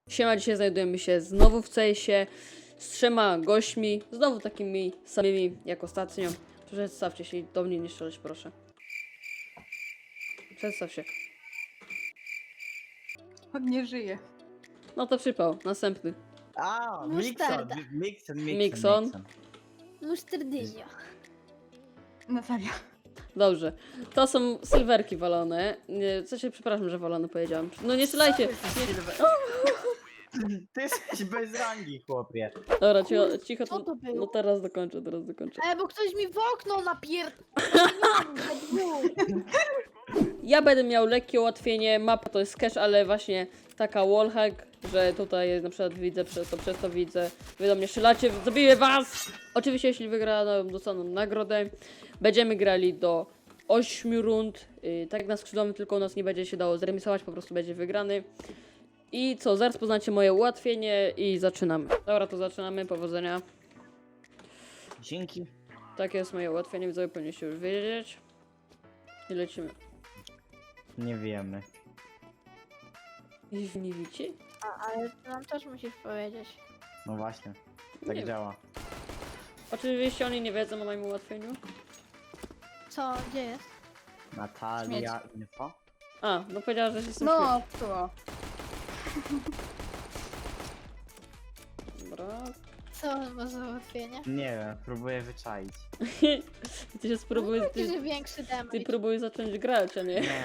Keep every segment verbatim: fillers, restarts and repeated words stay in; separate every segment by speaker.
Speaker 1: Siema, dzisiaj znajdujemy się znowu w Cejsie z trzema gośćmi, znowu takimi samymi jak ostatnio. Przedstawcie się i do mnie nie strzelać, proszę. Przedstaw się.
Speaker 2: On nie żyje.
Speaker 1: No to przypał, następny.
Speaker 3: A, Mixon,
Speaker 4: Musztarda.
Speaker 3: Mi- Mixon, Mixon,
Speaker 1: Mixon.
Speaker 3: Mixon.
Speaker 4: Musztardyzio.
Speaker 2: Natalia.
Speaker 1: Dobrze. To są sylwerki walone. Nie, w sensie, przepraszam, że walone powiedziałam. No nie strzelajcie! Nie.
Speaker 3: Ty jesteś bez rangi, chłopie.
Speaker 1: Dobra, cicho, cicho
Speaker 4: co to było?
Speaker 1: no teraz dokończę, teraz dokończę.
Speaker 4: E, bo ktoś mi w okno napier...
Speaker 1: Ja będę miał lekkie ułatwienie, mapa to jest cache, ale właśnie taka wallhack, że tutaj na przykład widzę, przez to, przez to widzę, wy do mnie strzelacie, zabiję was! Oczywiście jeśli wygraną, dostaną nagrodę. Będziemy grali do ośmiu rund, yy, tak jak na skrzydłowym, tylko u nas nie będzie się dało zremisować, po prostu będzie wygrany. I co, zaraz poznacie moje ułatwienie i zaczynamy. Dobra, to zaczynamy, powodzenia.
Speaker 3: Dzięki.
Speaker 1: Takie jest moje ułatwienie, widzowie powinniście już wiedzieć. I lecimy.
Speaker 3: Nie wiemy.
Speaker 1: I nie widzicie?
Speaker 4: A, ale ty nam też musisz powiedzieć.
Speaker 3: No właśnie, tak
Speaker 1: Nie.
Speaker 3: działa.
Speaker 1: Oczywiście oni nie wiedzą o moim ułatwieniu.
Speaker 4: Co? Gdzie jest?
Speaker 3: Natalia info.
Speaker 1: A, no powiedziała, że jestem
Speaker 2: No, to.
Speaker 1: śmieszny. Dobra.
Speaker 4: Co ma za ułatwienie?
Speaker 3: Nie wiem, próbuję wyczaić.
Speaker 1: Ty się spróbuj,
Speaker 4: Taki,
Speaker 1: ty,
Speaker 4: że większy damage.
Speaker 1: ty próbuj zacząć grać, a nie?
Speaker 3: Nie.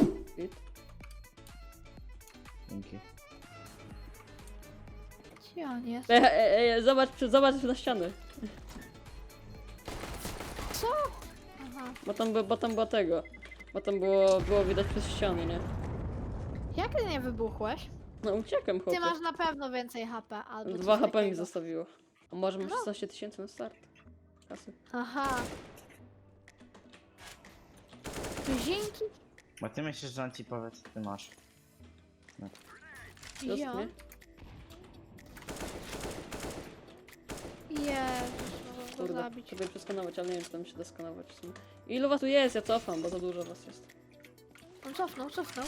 Speaker 3: Dzięki.
Speaker 4: Gdzie on jest?
Speaker 1: Ej, ej, ej, zobacz, zobacz na ścianę.
Speaker 4: Co? Aha.
Speaker 1: Bo tam, by- bo tam było tego. Bo tam było, było widać przez ścianę, nie?
Speaker 4: Jak ty nie wybuchłeś?
Speaker 1: No uciekłem,
Speaker 4: Ty
Speaker 1: chłopie.
Speaker 4: masz na pewno więcej H P albo coś
Speaker 1: Dwa H P mi
Speaker 4: takiego.
Speaker 1: zostawiło. A może mam
Speaker 4: No.
Speaker 1: szesnaście tysięcy na start? Kasy.
Speaker 4: Aha. Dzięki.
Speaker 3: Bo ty myślisz, że on ci powie, co ty masz.
Speaker 1: Just
Speaker 4: Ja.
Speaker 1: mnie.
Speaker 4: Jezus, mogę go
Speaker 1: Kurde,
Speaker 4: zabić.
Speaker 1: próbuję przeskanować, ale nie wiem, czy tam się da skanować. w sumie. Ilu was tu jest? Ja cofam, bo za dużo was jest.
Speaker 4: On cofnął, cofnął.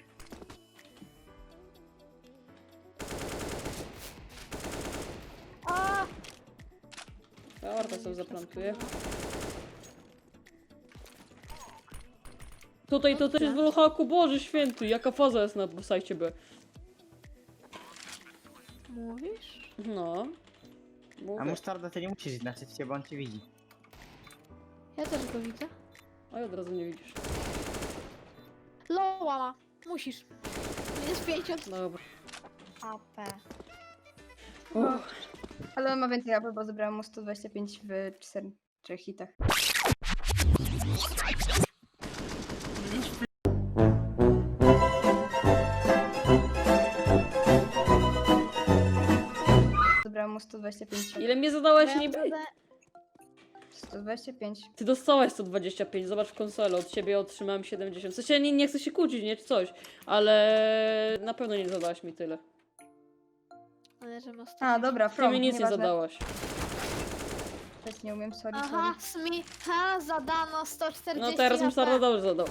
Speaker 4: A!
Speaker 1: Ja orta sobie zaplantuję. Tutaj to też jest w Wallhacku, Boże święty, jaka faza jest na sajcie B.
Speaker 4: Mówisz?
Speaker 1: No.
Speaker 3: A
Speaker 1: Mówię.
Speaker 3: musztarda ty nie musisz znaczyć się, bo on cię widzi.
Speaker 4: Ja też go widzę.
Speaker 1: Oj, od razu nie widzisz.
Speaker 4: Loła ma. Musisz. Jest pięćdziesiąt
Speaker 1: Dobra.
Speaker 4: A P.
Speaker 1: Uff.
Speaker 2: Ale on ma więcej rapy, bo zebrałem mu sto dwadzieścia pięć w czterech trzech hitach. Zebrałem mu sto dwadzieścia pięć.
Speaker 1: Ile mnie zadałaś niby?
Speaker 2: sto dwadzieścia pięć.
Speaker 1: Ty dostałaś sto dwadzieścia pięć, zobacz w konsolę, od ciebie otrzymałem siedemdziesiąt. W sensie nie, nie chcę się kłócić, nie, czy coś, ale na pewno nie zadałaś mi tyle.
Speaker 4: Ale że ma
Speaker 2: A, dobra,
Speaker 1: Ty
Speaker 2: from,
Speaker 1: mi nic nie
Speaker 2: nieważne.
Speaker 1: zadałaś.
Speaker 2: Też nie umiem, sorry,
Speaker 4: Aha,
Speaker 2: sorry.
Speaker 4: Smi, ha, zadano sto czterdzieści
Speaker 1: No teraz
Speaker 4: H P.
Speaker 1: Mustarda dobrze zadał.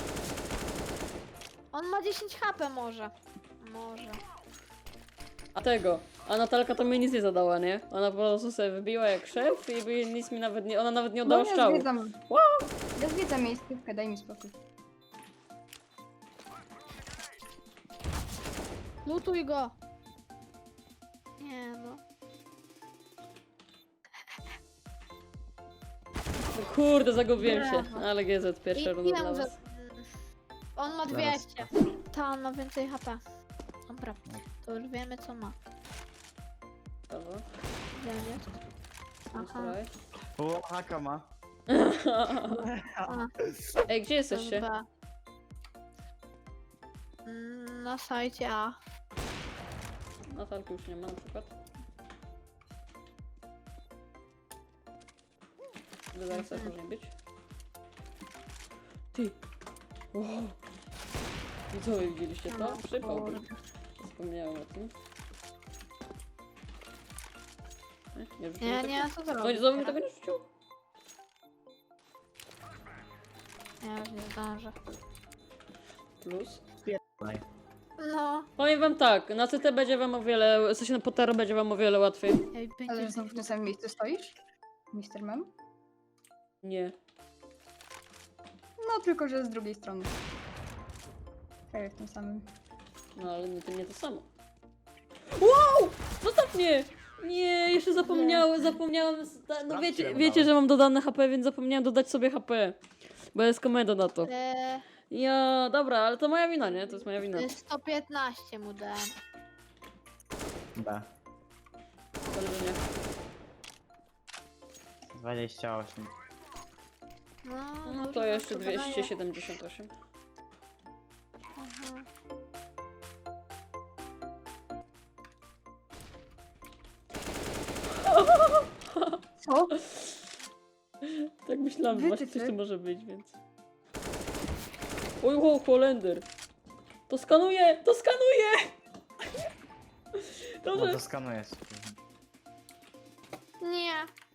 Speaker 4: On ma dziesięć H P może. Może.
Speaker 1: A tego, a Natalka to mi nic nie zadała, nie? Ona po prostu sobie wybiła jak szef i by nic mi nawet nie, ona nawet nie oddała
Speaker 2: No, ja
Speaker 1: strzału.
Speaker 2: zwiedzam. Ja zwiedzam miejscówkę, daj mi spokój.
Speaker 4: Lutuj go. Nie no.
Speaker 1: Kurde, zagubiłem się,
Speaker 4: Brawo.
Speaker 1: ale G Z
Speaker 4: I,
Speaker 1: pierwsza runda
Speaker 4: ile
Speaker 1: dla
Speaker 4: mu za...
Speaker 1: was.
Speaker 4: On ma
Speaker 3: Zaraz.
Speaker 4: dwieście. Ta, on ma więcej H P. Dobra, to już wiemy co ma.
Speaker 1: Dobra,
Speaker 4: Gdzie on jest? Aha,
Speaker 1: postaraj.
Speaker 3: O, haka ma.
Speaker 4: a,
Speaker 1: Ej, gdzie
Speaker 4: to
Speaker 1: jesteście?
Speaker 4: B. Mm, Na sajcie A.
Speaker 1: Natalki już nie ma na przykład. Wydaje sobie może być. Ty! Wow! Widzowie, widzieliście to?
Speaker 4: No,
Speaker 1: Przypał.
Speaker 4: kurde.
Speaker 1: Zapomniałem o tym. Nie, nie rzuciłem
Speaker 4: Nie,
Speaker 1: tego?
Speaker 4: nie, co
Speaker 1: No
Speaker 4: zrobić?
Speaker 1: nie znowu mi tego nie rzucił.
Speaker 4: Ja już nie zdążę.
Speaker 1: Plus.
Speaker 3: Daj.
Speaker 4: No.
Speaker 1: Powiem wam tak, na C T będzie wam o wiele, w sensie na Potero będzie wam o wiele łatwiej.
Speaker 4: Ej,
Speaker 2: Ale
Speaker 4: będzie...
Speaker 2: że znowu w tym samym miejscu stoisz? mister Mem?
Speaker 1: Nie.
Speaker 2: No tylko, że z drugiej strony. Prawie w tym samym.
Speaker 1: No ale nie, to nie to samo. Wow! Zostaw mnie! Nie, jeszcze zapomniałem, zapomniałem. zda- No wiecie,
Speaker 3: Sprawdźcie,
Speaker 1: wiecie,
Speaker 3: dodałeś.
Speaker 1: że mam dodane H P, więc zapomniałem dodać sobie H P. Bo jest komenda na to.
Speaker 4: Eee,
Speaker 1: Ja, dobra, ale to moja wina, nie? To jest moja wina.
Speaker 4: sto piętnaście mu dałem.
Speaker 3: B.
Speaker 1: Ale nie.
Speaker 3: dwadzieścia osiem.
Speaker 4: No,
Speaker 1: No
Speaker 4: dobrze,
Speaker 1: to jeszcze
Speaker 4: dodaję.
Speaker 1: dwieście siedemdziesiąt osiem.
Speaker 4: Aha.
Speaker 2: Co?
Speaker 1: Tak myślałam, że właśnie
Speaker 2: Wytyfy?
Speaker 1: coś tu może być, więc... Oj, wow, Holender! To skanuje! To skanuje!
Speaker 3: No
Speaker 1: Dobrze.
Speaker 3: to skanujesz.
Speaker 4: Nie.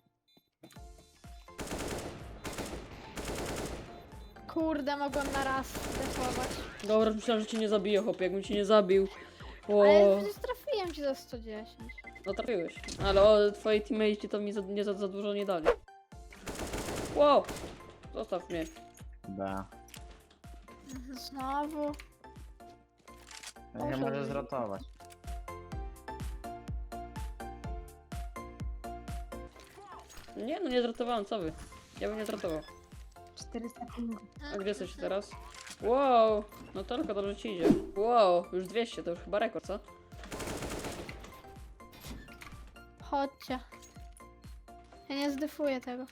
Speaker 4: Kurde, mogłem na raz defować.
Speaker 1: Dobra, myślałam, że cię nie zabije, chłopie, jakbym cię nie zabił. O,
Speaker 4: Ale przecież trafiłem ci za sto dziesięć.
Speaker 1: no trafiłeś. Ale o, twoi teammates to mi za, nie za, za dużo nie dali. Wow! Zostaw mnie.
Speaker 3: B.
Speaker 4: Znowu.
Speaker 3: Ja
Speaker 4: Może
Speaker 3: może
Speaker 4: być.
Speaker 3: zrotować.
Speaker 1: Nie, no nie zratowałem, co wy? Ja bym nie zratował.
Speaker 2: czterysta pingu.
Speaker 1: A gdzie jesteś teraz? Wow! No tylko dobrze ci idzie. Wow, już dwieście, to już chyba rekord, co?
Speaker 4: Chodźcie. Ja nie zdefuję tego.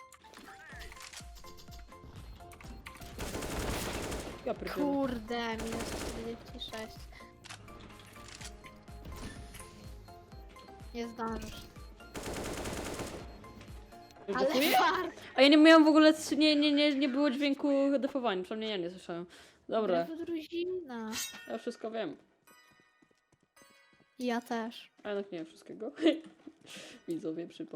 Speaker 1: Ja pierdzielę.
Speaker 4: Kurde, minus czterdzieści sześć. Nie zdążysz.
Speaker 1: Już
Speaker 4: Ale
Speaker 1: defuję?
Speaker 4: fart!
Speaker 1: A ja nie miałam w ogóle, nie, nie, nie, nie było dźwięku defowania, przynajmniej ja nie słyszałem. Dobra,
Speaker 4: Druzina.
Speaker 1: ja wszystko wiem.
Speaker 4: Ja też.
Speaker 1: A jednak nie wiem wszystkiego. Widzowie, przypał.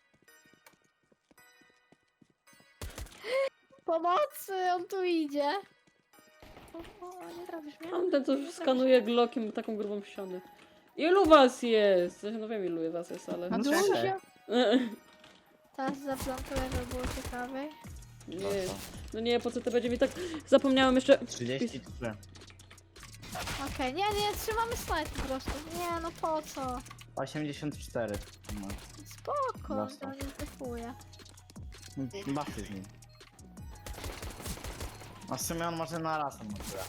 Speaker 4: Pomocy, on tu idzie. O, o, nie trafisz mnie.
Speaker 1: Mam ten, co skanuje Glockiem taką grubą ścianę. Ilu was jest? Znaczy, no wiem ilu was jest, ale...
Speaker 2: A
Speaker 3: No
Speaker 2: dużo?
Speaker 3: czekaj.
Speaker 4: Teraz zaplantuję, żeby było ciekawej.
Speaker 1: Nie, no nie, po co to będzie mi tak... Zapomniałem jeszcze...
Speaker 3: trzydzieści trzy.
Speaker 4: Okej, nie, nie, trzymamy slajd po prostu. Nie, no po co?
Speaker 3: osiemdziesiąt cztery. No.
Speaker 4: Spoko,
Speaker 3: Dostał.
Speaker 4: to nie zdefuję.
Speaker 3: Bafy z nim. A w sumie on może na raz on może.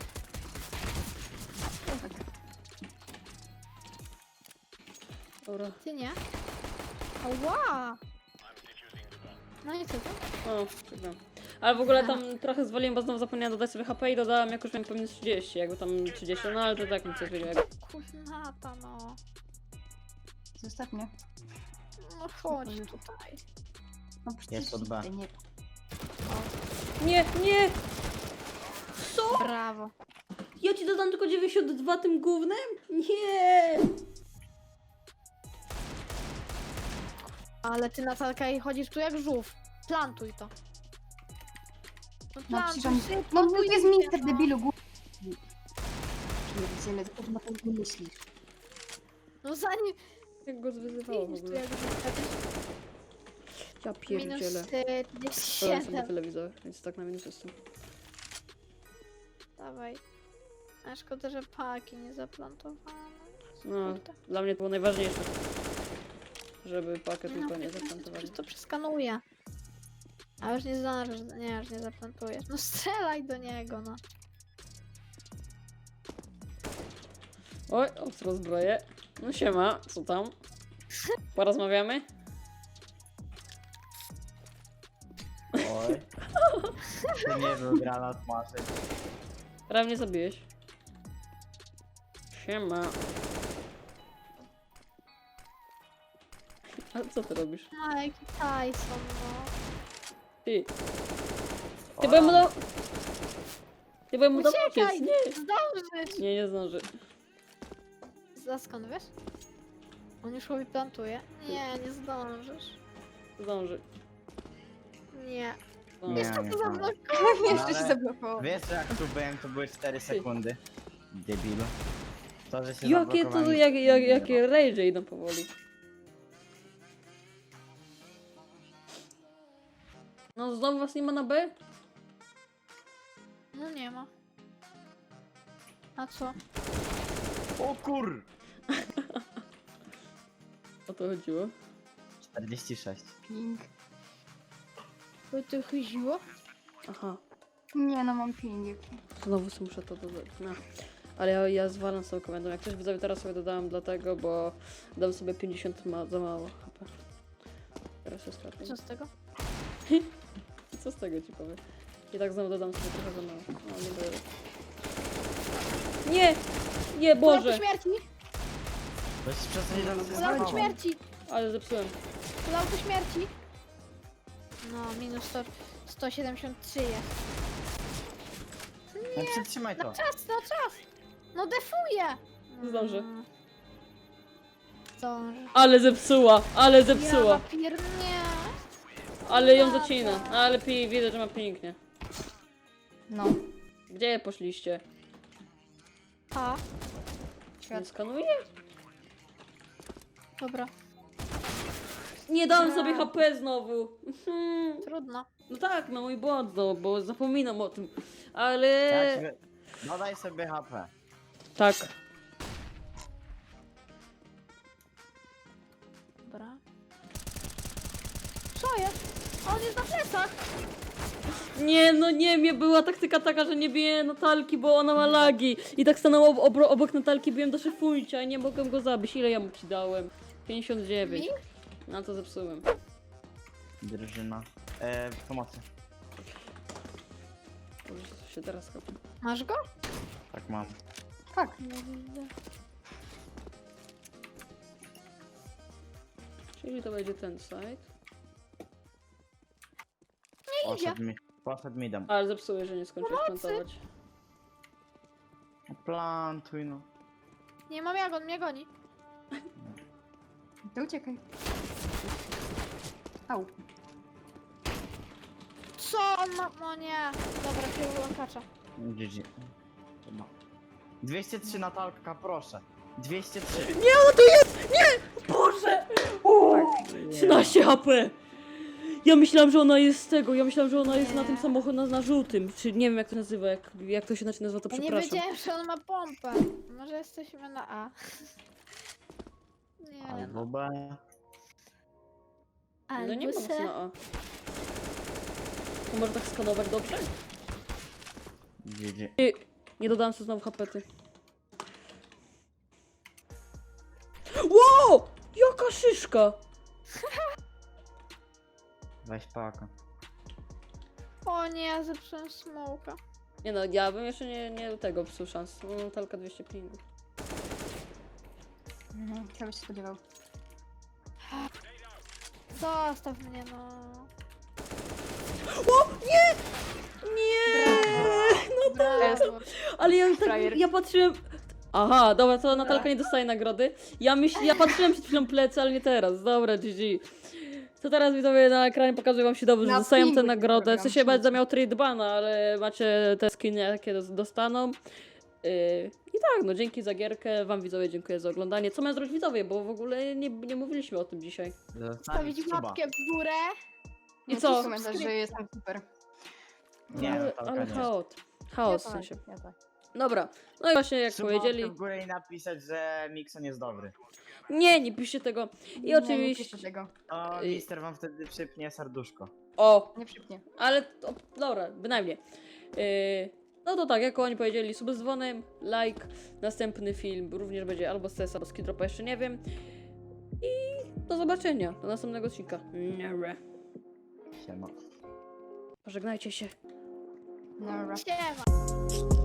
Speaker 1: Dobra.
Speaker 4: Ty nie? Ała! No i co to?
Speaker 1: O, przegrałem. Ale w ogóle tam trochę zwaliłem, bo znowu zapomniałem dodać sobie H P i dodałem jakoś miałem pewnie trzydzieści, jakby tam trzydzieści, no ale to tak mi coś wiedziałem.
Speaker 4: Kurnata, no.
Speaker 2: Zostaw mnie.
Speaker 4: No chodź tutaj.
Speaker 2: No przecież
Speaker 3: Jest od B.
Speaker 2: tutaj nie.
Speaker 1: Nie, nie! Co?
Speaker 4: Brawo.
Speaker 1: Ja ci dodam tylko dziewięćdziesiąt dwa tym gównem? Nie!
Speaker 4: Ale ty Natalka i chodzisz tu jak żółw. Plantuj to. No
Speaker 2: No
Speaker 4: plantuj
Speaker 2: przecież on...
Speaker 4: szybko,
Speaker 2: No
Speaker 4: tu
Speaker 2: to jest
Speaker 4: idzie,
Speaker 2: mister
Speaker 4: no.
Speaker 2: debilu, głupi. Pierdziele, tylko na pewno myślisz.
Speaker 4: No zanim
Speaker 1: Jak go zwyzywało w
Speaker 4: widzisz tu
Speaker 1: ogóle.
Speaker 4: jak żółw.
Speaker 1: Ja
Speaker 4: Minus
Speaker 1: pierdzielę.
Speaker 4: y, trzydzieści
Speaker 1: Szkoda sobie
Speaker 4: siedem.
Speaker 1: telewizor, więc tak na minus jestem.
Speaker 4: Dawaj. A szkoda, że paki nie zaplantowano.
Speaker 1: No,
Speaker 4: Kurde.
Speaker 1: dla mnie to było najważniejsze. Żeby pakę
Speaker 4: No,
Speaker 1: tylko nie
Speaker 4: przecież
Speaker 1: zaplantowali.
Speaker 4: to przeskanuję. A już nie zdążysz, nie, już nie zaplantujesz. No strzelaj do niego, no.
Speaker 1: Oj, ostro zbroję. No siema, co tam? Porozmawiamy?
Speaker 3: Oj. To nie był granat marzeń.
Speaker 1: Prawie mnie zabiłeś. Siema. A co ty robisz?
Speaker 4: No jaki Tyson, no.
Speaker 1: Ty. Ty byłem mu do... Ty byłem mu do
Speaker 4: Uciekaj!
Speaker 1: Nie,
Speaker 4: Zdążysz!
Speaker 1: nie, nie zdąży.
Speaker 4: Za skąd wiesz? On już chłopie plantuje. Nie, nie zdążysz.
Speaker 1: Zdąży.
Speaker 4: Nie.
Speaker 1: zdąży.
Speaker 3: Nie,
Speaker 4: Jeszcze
Speaker 3: nie
Speaker 4: to
Speaker 3: zdąży.
Speaker 4: zablokował.
Speaker 2: Jeszcze
Speaker 3: ale-
Speaker 2: się zablokował.
Speaker 3: Wiesz, że jak tu byłem, to były cztery sekundy. Debilu. To, że się
Speaker 1: Jakie to,
Speaker 3: zablokowałem,
Speaker 1: jak, jak,
Speaker 3: nie
Speaker 1: jakie rage idą powoli. No znowu was nie ma na B?
Speaker 4: No nie ma. A co?
Speaker 3: ma. O kur...
Speaker 1: O to chodziło.
Speaker 3: czterdzieści sześć.
Speaker 2: Ping.
Speaker 4: By to chodziło?
Speaker 1: Aha,
Speaker 2: Nie no, mam ping.
Speaker 1: znowu sobie muszę to dodać. No. Ale ja, ja zwalam sobie komendą. Jak ktoś widzowie teraz sobie dodałem dlatego, bo dam sobie pięćdziesiąt ma za mało H P. Teraz jest lepiej.
Speaker 4: Co z tego?
Speaker 1: Co z tego ci powiem? I tak znowu dodam sobie trochę za mało. No, nie będę. Nie! Nie,
Speaker 4: Pułapka
Speaker 1: Boże!
Speaker 4: śmierci!
Speaker 3: Weź przestań do nas
Speaker 4: Pułapka śmierci!
Speaker 1: Ale zepsułem.
Speaker 4: Pułapka śmierci! No, minus sto, sto siedemdziesiąt trzy jest.
Speaker 3: No przytrzymaj to.
Speaker 4: Czas, no czas! No defuję!
Speaker 1: Zdążę.
Speaker 4: Mm. Zdążę.
Speaker 1: Ale zepsuła! Ale
Speaker 4: Ja
Speaker 1: zepsuła!
Speaker 4: papier, nie!
Speaker 1: Ale ją zacina. Ale pi, widzę, że ma pięknie.
Speaker 2: No.
Speaker 1: Gdzie poszliście?
Speaker 4: A,
Speaker 1: Nie skanuję?
Speaker 4: dobra,
Speaker 1: Nie dałem sobie H P znowu. Hmm.
Speaker 4: trudno.
Speaker 1: No tak, no mój błąd, no, bo zapominam o tym. Ale...
Speaker 3: Tak, dodaj sobie H P.
Speaker 1: Tak.
Speaker 4: Dobra. Co jest? On jest na plecach!
Speaker 1: Nie, no nie, mnie była taktyka taka, że nie biję Natalki, bo ona ma lagi. I tak stanąłem ob obro- obok Natalki, biłem do szefujcia i nie mogłem go zabić. Ile ja mu ci dałem? pięćdziesiąt dziewięć.
Speaker 4: Mi?
Speaker 1: No to zepsułem.
Speaker 3: Drużyna. E, pomocy.
Speaker 1: Boże, co się teraz robi?
Speaker 4: Masz go?
Speaker 3: Tak mam.
Speaker 2: Tak.
Speaker 4: Nie widzę.
Speaker 1: Czyli to będzie ten site.
Speaker 4: Nie idzie.
Speaker 3: Poszedł mi. Poszedł mi dom.
Speaker 1: Ale zepsuję, że nie skończyłeś
Speaker 4: Pomocy!
Speaker 1: plantować.
Speaker 3: Plantuj no.
Speaker 4: Nie mam jak, on mnie goni.
Speaker 2: To uciekaj. Au.
Speaker 4: Co on ma? No nie. Dobra, kieruję łąkacza.
Speaker 3: G G. Chyba. dwieście trzy Natalka, proszę. dwieście trzy.
Speaker 1: Nie, ona tu jest! Nie! Boże! O! trzynaście H P! Ja myślałam, że ona jest z tego, ja myślałam, że ona jest na tym samochodzie, na, na żółtym. Czy nie wiem jak to nazywa, jak, jak to się znaczy nazywa, to
Speaker 4: Ja nie
Speaker 1: przepraszam.
Speaker 4: wiedziałem, że on ma pompę. Może jesteśmy na A. Nie no.
Speaker 3: Albo B.
Speaker 1: No nie ma
Speaker 4: Albo
Speaker 1: nas
Speaker 4: se.
Speaker 1: na A. To może tak skanować dobrze?
Speaker 3: G G.
Speaker 1: Nie, nie dodałam sobie znowu hapety. Wow! Jaka szyszka!
Speaker 3: Weź paka.
Speaker 4: O nie, zepsułem smoka.
Speaker 1: Nie no, ja bym jeszcze nie, nie tego psuł szans. Mam talka dwieście pingu.
Speaker 2: Mhm. Kto by się spodziewał?
Speaker 4: Zostaw mnie, no.
Speaker 1: O! Nie! Nie! No
Speaker 4: Brawo.
Speaker 1: Ale ja tak,
Speaker 2: Frajer.
Speaker 1: ja patrzyłem... Aha, dobra, to Natalka nie dostaje nagrody. Ja myśl, ja patrzyłem przed chwilą plecy, ale nie teraz. Dobra, G G. To teraz widzowie na ekranie pokazuję wam się dobrze, że
Speaker 2: Na
Speaker 1: dostają tę
Speaker 2: pingu
Speaker 1: nagrodę. W
Speaker 2: program
Speaker 1: sensie będę
Speaker 2: przyjdzie.
Speaker 1: miał trade bana, ale macie te skiny, jakie dos- dostaną. Yy, I tak, no dzięki za gierkę. Wam widzowie dziękuję za oglądanie. Co mają zrobić widzowie, bo w ogóle nie, nie mówiliśmy o tym dzisiaj.
Speaker 4: Stawić
Speaker 3: suba.
Speaker 4: łapkę w górę.
Speaker 1: I
Speaker 2: Napisz
Speaker 1: co?
Speaker 2: komentarz, że jestem super.
Speaker 3: Nie,
Speaker 1: ale
Speaker 3: Natalka
Speaker 1: ale
Speaker 3: nie.
Speaker 1: chaos. Chaos w
Speaker 2: Ja
Speaker 1: sensie.
Speaker 2: tak, ja tak.
Speaker 1: Dobra, no i właśnie jak
Speaker 3: Suba
Speaker 1: powiedzieli.
Speaker 3: w górę i napisać, że Mixon jest dobry.
Speaker 1: Nie, nie piszcie tego. I
Speaker 2: Nie,
Speaker 1: oczywiście.
Speaker 2: Nie piszę tego.
Speaker 3: To
Speaker 1: Y-
Speaker 3: mister wam wtedy przypnie serduszko.
Speaker 1: O,
Speaker 2: Nie przypnie.
Speaker 1: ale to, dobra, bynajmniej. Yy, no to tak, jak oni powiedzieli, sub z dzwonem, like, następny film również będzie albo z C S, albo z Kidropa, jeszcze nie wiem. I do zobaczenia, do następnego odcinka. Nara.
Speaker 3: Siema.
Speaker 1: Pożegnajcie się.
Speaker 2: No,
Speaker 4: Siema.